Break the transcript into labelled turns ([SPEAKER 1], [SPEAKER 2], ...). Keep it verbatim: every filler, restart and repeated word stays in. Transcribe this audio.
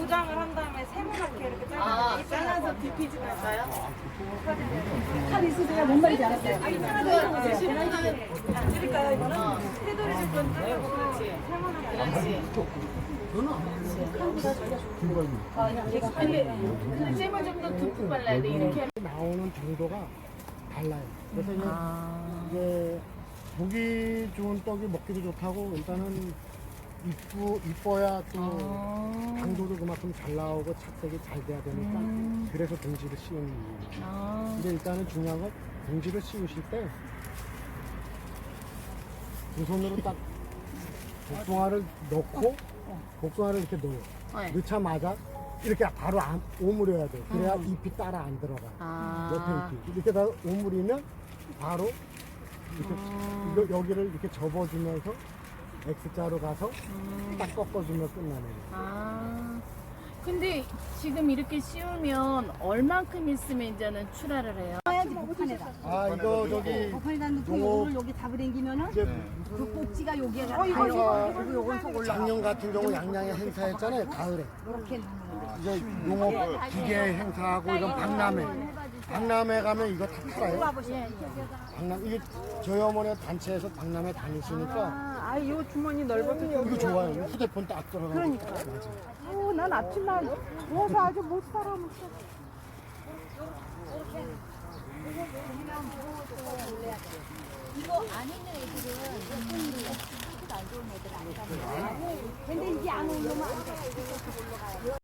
[SPEAKER 1] 도장을 한 다음에 세모나게 이렇게 잘라서
[SPEAKER 2] 아, 잘라서 디피지 갈까요?
[SPEAKER 3] 칼 있으세요? 뭔 말인지 알았어요.
[SPEAKER 1] 아, 이상하게 드릴까요? 드릴까요? 이거는 테두리 줄 건 자르고 세모나게
[SPEAKER 2] 그렇지. 근데, 근데 잼을 좀 더 듬뿍 발라야 돼, 이렇게.
[SPEAKER 4] 나오는 정도가 달라요. 그래서 이제,
[SPEAKER 2] 아.
[SPEAKER 4] 이제 보기 좋은 떡이 먹기도 좋다고 일단은 이쁘, 이뻐야 또
[SPEAKER 2] 아.
[SPEAKER 4] 당도도 그만큼 잘 나오고 착색이 잘 돼야 되니까
[SPEAKER 2] 음.
[SPEAKER 4] 그래서 봉지를 씌우는 이유예요.
[SPEAKER 2] 아.
[SPEAKER 4] 근데 일단은 중요한 건 봉지를 씌우실 때 두 손으로 딱 복숭아를 넣고 복숭아를 이렇게 넣어요.
[SPEAKER 2] 네.
[SPEAKER 4] 넣자마자 이렇게 바로 안, 오므려야 돼요. 그래야 잎이 따라 안 들어가요.
[SPEAKER 2] 아.
[SPEAKER 4] 옆에 잎이. 이렇게 다 오므리면 바로 이렇게
[SPEAKER 2] 아.
[SPEAKER 4] 이거- 여기를 이렇게 접어주면서 X자로 가서 딱 꺾어주면 끝나는 거예요.
[SPEAKER 2] 아. 근데 지금 이렇게 씌우면 얼만큼 있으면 이제는 출하를 해요?
[SPEAKER 3] 해야지 목판에다.
[SPEAKER 4] 아 이거 저기
[SPEAKER 3] 목판에다 넣고
[SPEAKER 4] 요거-
[SPEAKER 3] 요거를 여기 잡으당기면은
[SPEAKER 4] 이제
[SPEAKER 3] 그 꼭지가 여기에
[SPEAKER 4] 어,
[SPEAKER 3] 가요.
[SPEAKER 4] 이거, 이거.
[SPEAKER 3] 그리고 요건 속 올라가.
[SPEAKER 4] 작년 같은 경우 양양에 행사했잖아요. 가을에.
[SPEAKER 3] 이렇게 누르는 거.
[SPEAKER 4] 이제 농업 기계 행사하고 이런 박람회. 박람회 가면 이거 다 팔아요. 박람 이게 저희 어머니가 단체에서 박람회 다니시니까
[SPEAKER 1] 아, 이 주머니 넓어서
[SPEAKER 4] 이거 좋아요. 휴대폰 딱 들어가고.
[SPEAKER 3] 그러니까.
[SPEAKER 4] 맞아.
[SPEAKER 1] 어, 난 아침날 누워서 아주 못 살아.
[SPEAKER 5] 이거 안 있는 애들은 손이 안 좋은 애들 안 가면
[SPEAKER 3] 근데 이게 안 오면 안 돼.